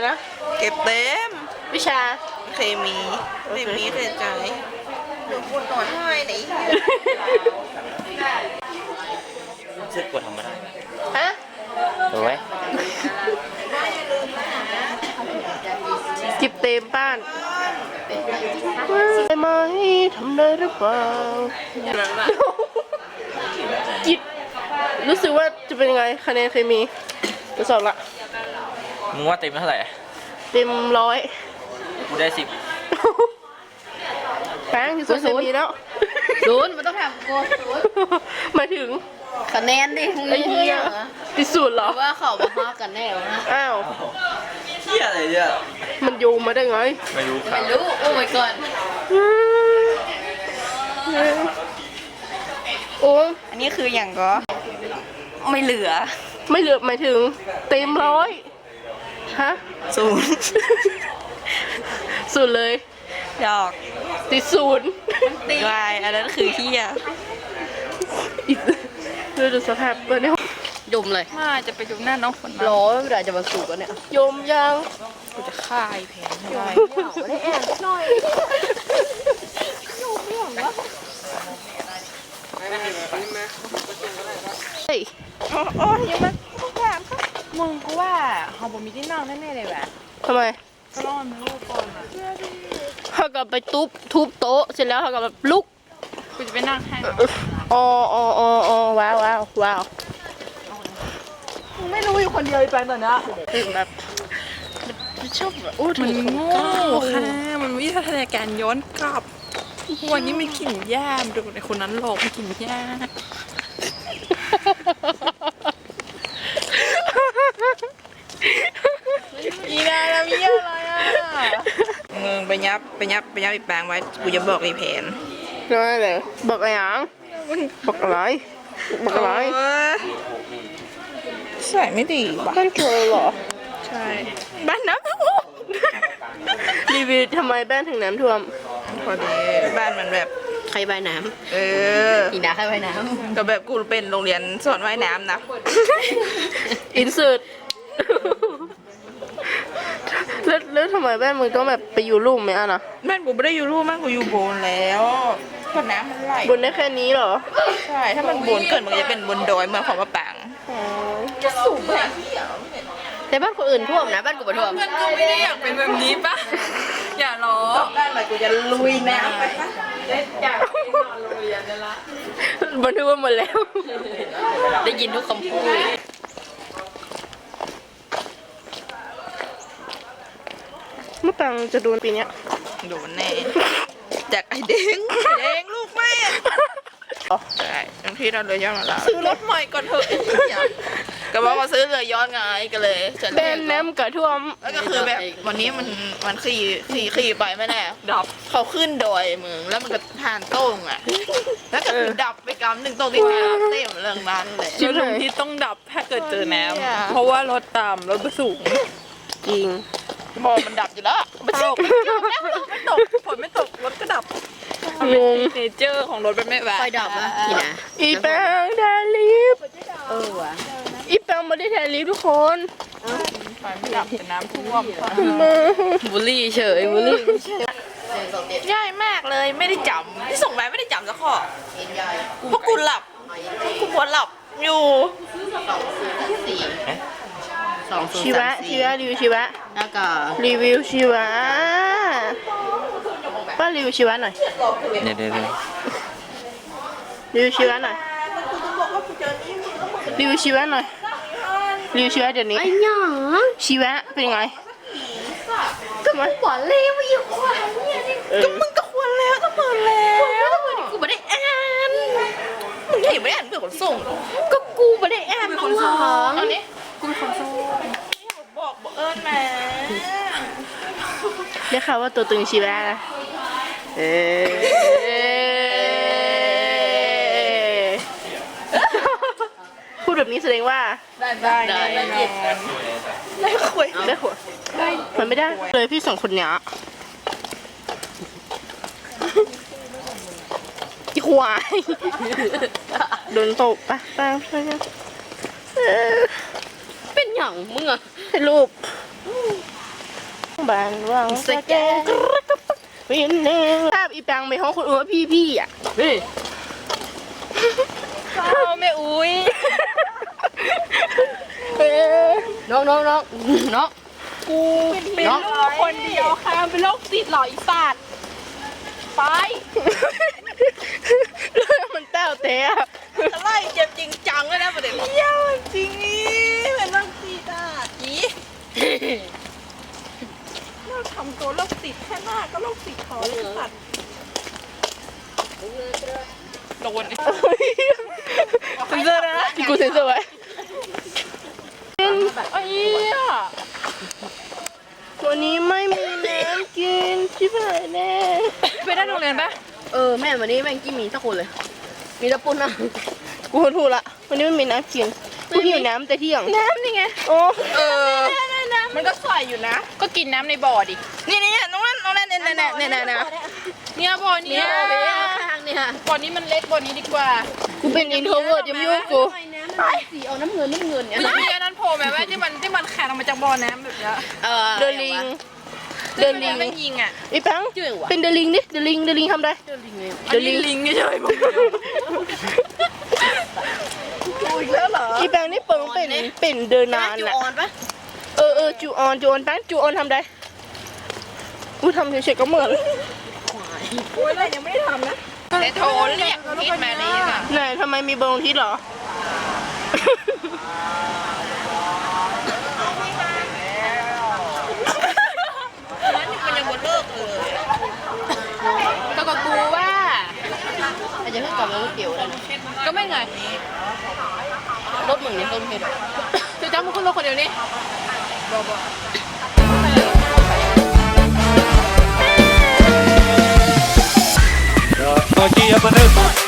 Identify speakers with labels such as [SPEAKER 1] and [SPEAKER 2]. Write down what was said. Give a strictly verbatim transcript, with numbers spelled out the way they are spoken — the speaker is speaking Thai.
[SPEAKER 1] นะ
[SPEAKER 2] เก็บเต็ม
[SPEAKER 1] วิชา
[SPEAKER 2] เคมีเคมีเกิดใจหนูปวดต่อท้ายไหน
[SPEAKER 3] ซื้อกดทำมาได้
[SPEAKER 1] ฮะ
[SPEAKER 3] ถูกไหม
[SPEAKER 1] จิบเต็มบ้านได้ไหมทำได้หรือเปล่าจิตรู้สึกว่าจะเป็นยังไงคะแนนเคมีทดสอบละ
[SPEAKER 3] มึงว่าเต็มเท่าไหร่
[SPEAKER 1] เต็มร้อย
[SPEAKER 3] กูได้สิบ
[SPEAKER 1] แป้งที่สุดเคมีแล้ว
[SPEAKER 4] ศูนย์มันต้องทำโกศูนย์
[SPEAKER 1] หมายถึง
[SPEAKER 4] คะแนนดิ
[SPEAKER 1] ไอ้เหี้ยที่สุดเหรอ
[SPEAKER 4] ว่าเขามาฮากันแน่วะ
[SPEAKER 1] อ้าว
[SPEAKER 3] เที่ยอะไรเนี่ย
[SPEAKER 1] มันโยงมาได้ไง
[SPEAKER 3] ไม่รู้ครั
[SPEAKER 4] ไม่
[SPEAKER 3] บ
[SPEAKER 4] รู้โอ้ยก่อน
[SPEAKER 1] โอ้
[SPEAKER 2] อันนี้คืออย่างก็ไม่เหลือ
[SPEAKER 1] ไม่เหลือหมายถึงเต็มร้อยฮะ
[SPEAKER 2] ศูนย์
[SPEAKER 1] สุดเลย
[SPEAKER 2] ดอก
[SPEAKER 1] ติดศูนย์
[SPEAKER 2] วายอันนั้นคือเฮีย
[SPEAKER 1] อีกดูดูสภาพเปิดเนี่ย
[SPEAKER 4] ดมเลย
[SPEAKER 2] มาจะไปดูหน้าน้องฝน
[SPEAKER 4] ร้อยเวลาจะมาสูบกันเนี่ย
[SPEAKER 1] โยมยัง
[SPEAKER 2] กูจะฆ่าไอ้แผนไม่ได้
[SPEAKER 4] ได้แอนหน่อย
[SPEAKER 1] เฮ้ย
[SPEAKER 2] โอ้โอ้ยังมาทุกอย่างมึงกูว่าเฮาบ่มีที่นั่งแน่ๆเลยแหละ
[SPEAKER 1] ทำไม
[SPEAKER 2] ก็รอมันลูกก่อนอ่ะ
[SPEAKER 1] เขากลับไปทุบทุบโต๊ะเสร็จแล้วเขากลับแบบลุก
[SPEAKER 2] กูจะไปนั่งให้
[SPEAKER 1] อ๋ออ๋ออ๋ออ๋อว้าวว้าวว้าว
[SPEAKER 2] มึงไม่รู้อยู่คนเดียวไอ้แปงตอนนี้
[SPEAKER 1] คือแบบชอบแบบอู้
[SPEAKER 2] มัน
[SPEAKER 1] ถึง
[SPEAKER 2] โง่ค่ะมันวิทยาการย้อนกลับวันนี้มันกินหญ้าดูในคนนั้นหลอกมันกินหญ้าอีนาแล้วมีอะไรอ่ะมึงไปยับไปยับไปยับอีแปงไว้กูจะบอกไอ้แผน
[SPEAKER 1] น้อยเลยบอกอะไรยังบอกอะไรบอกอะไร
[SPEAKER 2] ใส่ไม่ดีว่ะ
[SPEAKER 1] บ้านเธอเหรอ
[SPEAKER 2] ใช่บ้านน้ำท่วม
[SPEAKER 1] รีวิวทำไมบ้านถึงน้ำท่วม
[SPEAKER 2] พอดีบ้านมันแบบ
[SPEAKER 4] ใครใบน้
[SPEAKER 2] เออ
[SPEAKER 4] ำอีนาใครใบน้
[SPEAKER 2] ก็แบบกูเป็นโรงเรียนสอนว่ายน้ำนะ
[SPEAKER 1] อินเสิร์ตแล้วแล้วทำไมบ้านมึงต้องแบบไปอยู่ลุ่มไหมอ่ะนะ
[SPEAKER 2] บ้านกูไม่ได้อยู่รูปบ้านกูอยู่โบนแล้วเพราะน้ำมันไหล
[SPEAKER 1] บนได้แค่นี้เหรอ
[SPEAKER 2] ใช่ถ้ามันโบนเกิดมันจะเป็นบนดอยเมืองของมะปาง
[SPEAKER 4] ำแต่บ้านคนอื่นท่วมนะบ้านกูไม่ท่วม
[SPEAKER 2] เพื่อนกูไม่ได้อยากเป็นแบบนี้ปะอย่าล้อบ้านใหม่กูจะลุยน้ำไปปะอยากนอนโรงเรียนนั่นละ
[SPEAKER 1] บันทึกไว้หมดแล้ว
[SPEAKER 4] ได้ยินทุกคำพูด
[SPEAKER 1] เมื่อปังจะโดนปีเนี้ย
[SPEAKER 2] โดนแน่จากไอ้เด้งไอ้เด้งลูกแม่ใช่บางทีเราเลยย้อนมาแล้วซื้อรถใหม่ก่อนเถอะก็บอกว่าซื้อเลยย้อนไงก็เลยจะ
[SPEAKER 1] แบนน้ำกระท่วม
[SPEAKER 2] แล้วก็คือแบบวันนี้มันมันขี่ขี่ขี่ไปไม่แน่ดับเขาขึ้นดอยมึงแล้วมันก็ทานโต้งอ่ะแล้วก็คือดับไปกำหนึ่งตรงที่แถวเต็มเรื่องนั้นเลย
[SPEAKER 1] จริงเลย
[SPEAKER 5] ที่ต้องดับถ้าเกิดเจอน้
[SPEAKER 2] เนี่ย
[SPEAKER 5] ำเพราะว่ารถต่ำรถสูง
[SPEAKER 1] จริง
[SPEAKER 2] บอมันดับอยู่แล้วมันตกไม่ตกฝนไม่ตกรถก็ดับ
[SPEAKER 1] งง
[SPEAKER 5] เนเจอร์ของรถเป็นไม่แบบ
[SPEAKER 4] ไฟดับอ่ะอีนา
[SPEAKER 1] อีแปงแทนลิฟต์
[SPEAKER 4] เออว่ะ
[SPEAKER 1] อีแปงไม่ได้แทนลิฟต์ทุกคน
[SPEAKER 5] ไฟไม่ดับแต่น้ำท่วม
[SPEAKER 1] มา
[SPEAKER 4] บุลลี่เฉยบุลลี่
[SPEAKER 2] ง่ายมากเลยไม่ได้จำที่ส่งไปไม่ได้จำสักข้อเพราะกูหลับกูปวดหลับอยู่
[SPEAKER 4] สองศูน
[SPEAKER 1] ชี
[SPEAKER 4] ย์
[SPEAKER 1] วะ
[SPEAKER 4] สาม
[SPEAKER 1] ชี
[SPEAKER 4] สี่
[SPEAKER 1] วะรีวิวชีวะ
[SPEAKER 4] แล้วก็
[SPEAKER 1] รีวิวชีวะป้ารีวิวชีวะหน่อย
[SPEAKER 3] เดี๋ยวเดี๋ยวเดี๋ยว
[SPEAKER 1] รีวิวชีวะหน่อยรีวิวชีวะหน่อยรีวิวชีวะเดี๋ยวนี้
[SPEAKER 4] ไอ้หยา
[SPEAKER 1] ชีวะเป็นไงทำไม
[SPEAKER 4] หวานเลยว่าอยู่หวานเนี่ยนี่
[SPEAKER 1] ก็
[SPEAKER 2] มึงก็ควรแล้วก็เปิดแล้ว
[SPEAKER 4] กูไม่ได้อ่าน
[SPEAKER 2] มึงเห็นไม่ได้อ่านเพื่อนขนส่ง
[SPEAKER 4] ก็กูไม่ได้อ่านน้องหวัง
[SPEAKER 2] เอานี้กูเป็นคนส่งบอกบอกเอิญมา
[SPEAKER 1] ได้ข่าวว่าตัวตึงชีวะนะเออพูดแบบนี้แสดงว่า
[SPEAKER 2] ได้ได้ได้ได้ได้คุย
[SPEAKER 1] ได้หัวมันไม่ได้เลยพี่สองคนเนี้ยอีควายโดนตบปะตามไปกันเออ
[SPEAKER 4] เป็นอย่างมึงอะ
[SPEAKER 1] ให้รูปบ้านว่างสแกนกระกระปักวินเนอร์ภาพอีแปงไปห้องคนอื่นว่าพี่พี่อ่ะ
[SPEAKER 5] เฮ้ยเศร้าแม่อุ้ย
[SPEAKER 1] เออ
[SPEAKER 4] น้องน้องน้องน้อง
[SPEAKER 5] กูเป็นลูกคนเดียวค่ะเป็นโรคติดหรออีสัตว์ไป
[SPEAKER 1] เรื่องมันแต้วเตะ
[SPEAKER 2] อะไรเจ็บจริงจังเลยนะประเด็นเยี่ยมจริงนี่เป็นโรคติดอ่ะอีเราทำตัวโรคติดแค่หน้าก็โรคติดคอเลยสัตว์โดน
[SPEAKER 1] เซนเซอร์นะที่กูเซนเซอร์ไว้
[SPEAKER 5] ไอ้เหี้ย
[SPEAKER 1] วันนี้ไม่มีน้ำกินชิบหายแน่
[SPEAKER 5] ไปได้โรงเรียนปะ
[SPEAKER 4] เออแม่วันนี้แม่งกี้มีสักคนเลย มีตะปุ่นนะ
[SPEAKER 1] กูถูกละวันนี้ไม่มีน้ำกินกูหิวน้ำแต่เที่ยง
[SPEAKER 5] น้ำนี่ไง
[SPEAKER 1] โอ้
[SPEAKER 2] เออมันก็ใส่อยู่นะ
[SPEAKER 5] ก็กินน้ำในบ่อดิ
[SPEAKER 2] นี่นี่น้องนั่นน้องนั่นเนี่ยเนี่ยเนี่ยเนี่ยเนี่ย
[SPEAKER 5] เนี่ยบ่อนี้
[SPEAKER 4] เนี่ยไปข้างเนี่ย
[SPEAKER 5] บ่อนี้มันเล็กบ่อนี้ดีกว่า
[SPEAKER 1] กูเป็นอินโทรเวิร์ดยังไม่ยุ่งกู
[SPEAKER 4] น้ำมันสีเอาน้ำเงินน้ำเงินเนี่ย
[SPEAKER 5] มันจะมีอันนั้นโผล่ไหมว่าที่มันที่มันแข็งออกมาจากบ่อน้ำแบบเนี้ย
[SPEAKER 2] เออ
[SPEAKER 1] เดินลิง เดินลิง
[SPEAKER 5] ไม่ยิงอ่ะ
[SPEAKER 1] อีแปงเป็นเดินลิงดิเดินลิงเดินลิงทำได้
[SPEAKER 5] อันนี้ลิงเฉยๆผม
[SPEAKER 2] อีกแล้วเหรอ
[SPEAKER 1] อีแปงนี่เปิงเป็นเป็นเดินนาน
[SPEAKER 4] จู
[SPEAKER 1] น่ะ
[SPEAKER 4] ออนปะ
[SPEAKER 1] เออเออจูออนจูออนแปงจูออนทำได้กูทำเฉยๆก็เหมือน
[SPEAKER 2] โอ้ยอะไรยังไม่ได้ทำนะแต่โทรเรียกพีทมาเลยค่ะ
[SPEAKER 1] ไหนทำไมมีเบอร์ลงทิศเหรอ
[SPEAKER 2] นั้นมันยังหมดเลิกเลย
[SPEAKER 5] ก็กับกูว่า
[SPEAKER 4] อาจจะเพิ่งกลับมารถเกี่ยวได้นะ
[SPEAKER 5] ก็ไม่ไง
[SPEAKER 4] รถมึงเนี่ยต้นเพชร
[SPEAKER 5] คือจ้ามึงขึ้นรถคนเดียวนี่
[SPEAKER 6] Aqui é Vanessa.